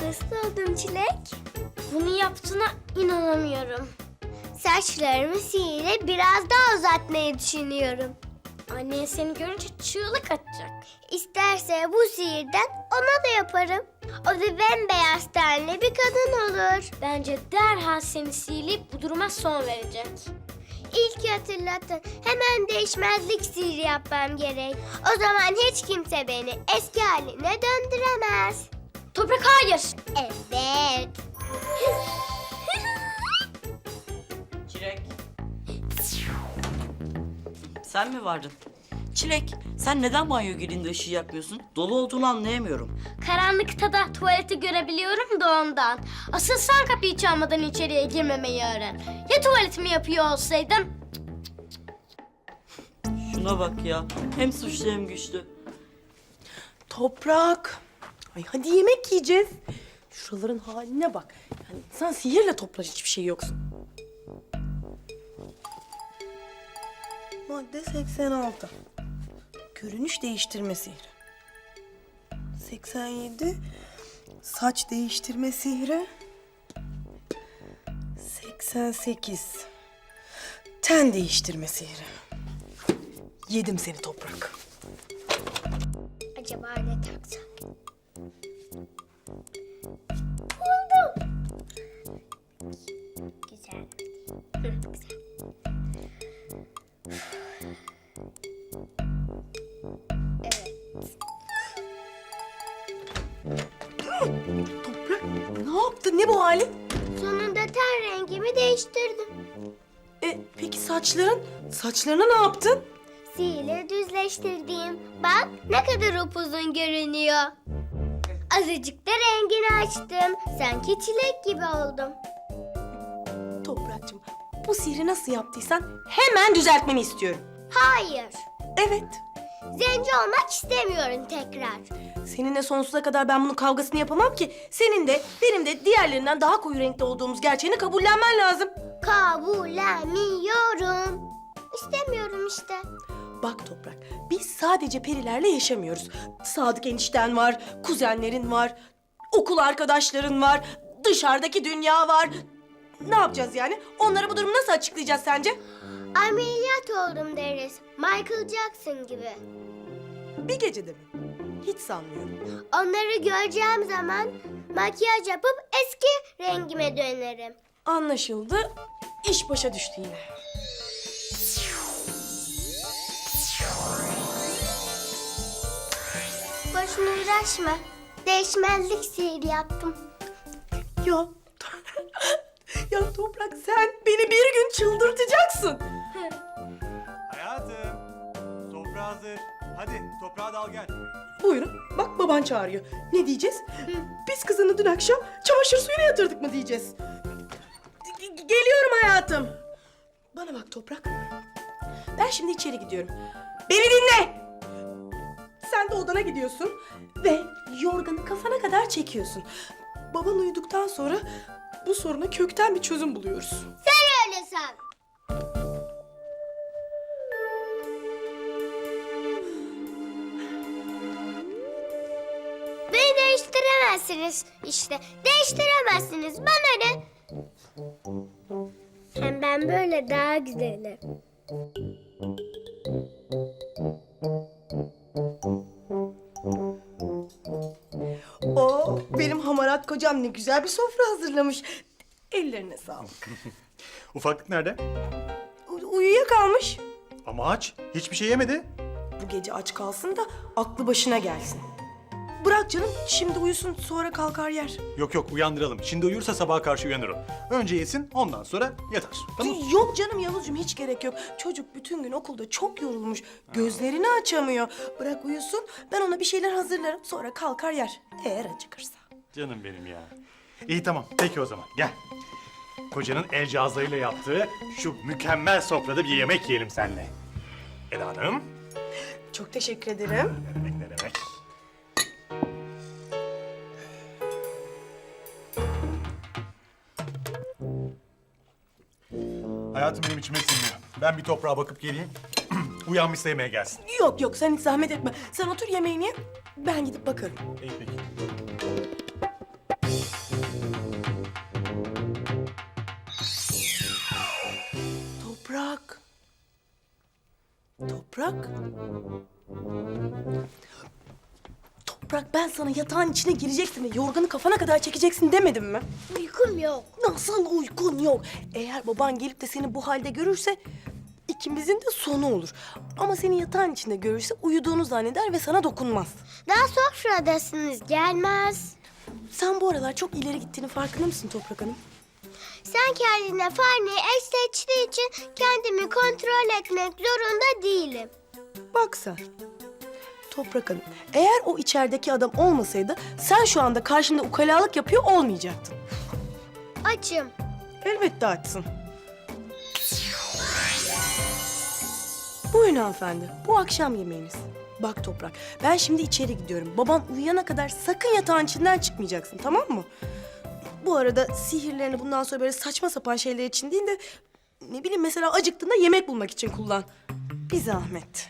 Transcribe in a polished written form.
Nasıl oldum Çilek? Bunu yaptığına inanamıyorum. Saçlarımı sihirle biraz daha uzatmayı düşünüyorum. Annen seni görünce çığlık atacak. İsterse bu sihirden ona da yaparım. O da bembeyaz tenli bir kadın olur. Bence derhal seni sihirleyip bu duruma son verecek. İlk hatırlatın. Hemen değişmezlik sihri yapmam gerek. O zaman hiç kimse beni eski haline döndüremez. Toprak hayır. Evet. Çilek. Sen mi vardın? Çilek, sen neden banyo girdiğinde ışığı yakmıyorsun? Dolu olduğunu anlayamıyorum. Karanlıkta da tuvaleti görebiliyorum da ondan. Asıl sen kapıyı çalmadan içeriye girmemeyi öğren. Ya tuvaletimi yapıyor olsaydım? Şuna bak ya, hem suçlu hem güçlü. Toprak. Ay hadi yemek yiyeceğiz. Şuraların haline bak. Yani sen sihirle toplar hiçbir şey yoksun. Madde 86. Görünüş değiştirme sihri. 87. Saç değiştirme sihri. 88. Ten değiştirme sihri. Yedim seni Toprak. Acaba ne taksam? Buldum. Güzel. Güzel. Toprak ne yaptın? Ne bu halin? Sonunda ten rengimi değiştirdim. Peki saçların? Saçlarına ne yaptın? Sihirle düzleştirdiğim. Bak ne kadar upuzun görünüyor. Azıcık da rengini açtım. Sanki çilek gibi oldum. Toprakçığım bu sihri nasıl yaptıysan hemen düzeltmeni istiyorum. Hayır. Evet. Zenci olmak istemiyorum tekrar. Seninle sonsuza kadar ben bunun kavgasını yapamam ki. Senin de benim de diğerlerinden daha koyu renkte olduğumuz gerçeğini kabullenmen lazım. Kabullenmiyorum. İstemiyorum işte. Bak Toprak, biz sadece perilerle yaşamıyoruz. Sadık enişten var, kuzenlerin var, okul arkadaşların var, dışarıdaki dünya var. Ne yapacağız yani? Onlara bu durumu nasıl açıklayacağız sence? Ameliyat oldum deriz. Michael Jackson gibi. Bir gecede mi? Hiç sanmıyorum. Onları göreceğim zaman makyaj yapıp eski rengime dönerim. Anlaşıldı. İş başa düştü yine. Boşuna uğraşma. Değişmezlik sihri yaptım. Ya, ya Toprak sen beni bir gün çıldırtacaksın. Hayatım, sofra hazır. Hadi toprağa dal gel. Buyurun, bak baban çağırıyor. Ne diyeceğiz? Biz kızını dün akşam çamaşır suyuna yatırdık mı diyeceğiz. Geliyorum hayatım. Bana bak Toprak. Ben şimdi içeri gidiyorum. Beni dinle. Sen de odana gidiyorsun ve yorganı kafana kadar çekiyorsun. Baban uyuduktan sonra bu soruna kökten bir çözüm buluyoruz. Sen öyle san. Beni değiştiremezsiniz işte. Değiştiremezsiniz. Bana ne? Hem ben böyle daha güzelim. Oo, benim hamarat kocam ne güzel bir sofra hazırlamış. Ellerine sağlık. Ufaklık nerede? Uyuyakalmış. Ama aç. Hiçbir şey yemedi. Bu gece aç kalsın da aklı başına gelsin. Bırak canım, şimdi uyusun sonra kalkar yer. Yok yok uyandıralım. Şimdi uyursa sabaha karşı uyanır o. Önce yesin ondan sonra yatar. Tamam. Yok canım Yavuzcuğum hiç gerek yok. Çocuk bütün gün okulda çok yorulmuş. Gözlerini açamıyor. Bırak uyusun, ben ona bir şeyler hazırlarım sonra kalkar yer. Eğer acıkırsa. Canım benim ya. İyi tamam. Peki o zaman gel. Kocanın el cihazlarıyla yaptığı şu mükemmel sofrada bir yemek yiyelim seninle. Eda Hanım. Çok teşekkür ederim. Ne demek ne demek. Hayatım benim içime sinmiyor. Ben bir toprağa bakıp geleyim. Uyanmışsa yemeğe gelsin. Yok yok sen hiç zahmet etme. Sen otur yemeğini ye. Ben gidip bakarım. İyi peki. Toprak. Toprak, ben sana yatağın içine gireceksin ve yorganı kafana kadar çekeceksin demedim mi? Uykum yok. Nasıl uykun yok? Eğer baban gelip de seni bu halde görürse ikimizin de sonu olur. Ama seni yatağın içinde görürse uyuduğunu zanneder ve sana dokunmaz. Daha sofradasınız, gelmez. Sen bu aralar çok ileri gittiğini farkında mısın Toprak Hanım? Sen kendine fareyi eş seçtiği için kendimi kontrol etmek zorunda değilim. Bak sen. Toprak Hanım, eğer o içerideki adam olmasaydı sen şu anda karşımda ukalalık yapıyor olmayacaktın. Açım. Elbette açsın. Buyurun hanımefendi, bu akşam yemeğiniz. Bak Toprak, ben şimdi içeri gidiyorum. Baban uyuyana kadar sakın yatağın içinden çıkmayacaksın, tamam mı? Bu arada sihirlerini bundan sonra böyle saçma sapan şeyler için değil de... ...ne bileyim mesela acıktığında yemek bulmak için kullan. Bir zahmet.